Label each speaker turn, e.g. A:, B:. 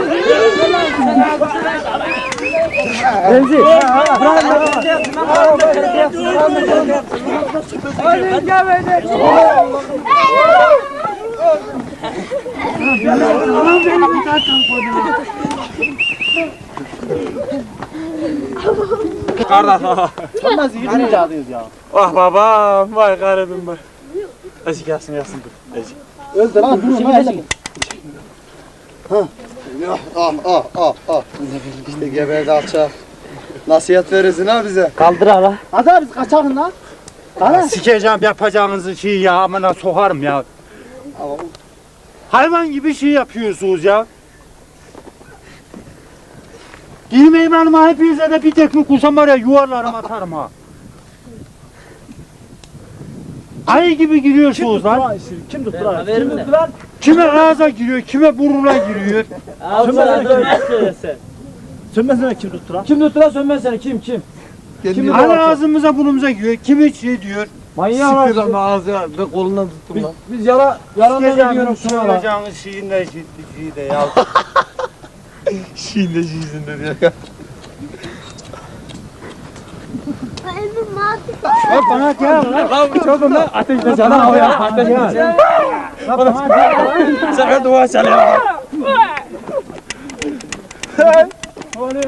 A: Remzi.
B: Kardeş.
A: Nasıl yürüyüş alıyoruz ya?
B: Ah babam, vay garibim vay. Ezi gelsin dur. Ezi.
A: Öldü lan durun lan elleme.
C: İşte geberdi alçak. Nasihat verirsin ha bize.
A: Kaldır hala. Hadi abi biz kaçalım lan. Hadi.
B: Sikeceğim yapacağınızı şey ya, amına sokarım ya. Hayvan gibi şey yapıyorsunuz ya. Girmeyin hanıma, hepinize de bir tekme kursam var ya, yuvarlarım atarım ha. Ayı gibi giriyorsunuz lan.
A: Kim tuttu lan? Kim tuttu lan?
B: Kime ağza giriyor, kime burnuna giriyor.
A: Sönmezsene kim tuttu lan? Kim tuttu lan sönmezsene kim? Kim
B: Hani ağzımıza burnumuza giriyor, kimi şey diyor.
A: Manyağı var.
C: Sıkıyor ama ağzı ve kolundan tuttum lan.
A: Biz yalandan gidiyorum şuna lan.
B: Soracağınız şeyin de şeyi de ya.
C: Şeyin de şeysin ya.
A: Bak bana gel lan. Lan çocuğum lan ateşle sana o ya. Ateşle.
B: Sakın dua çalıyor.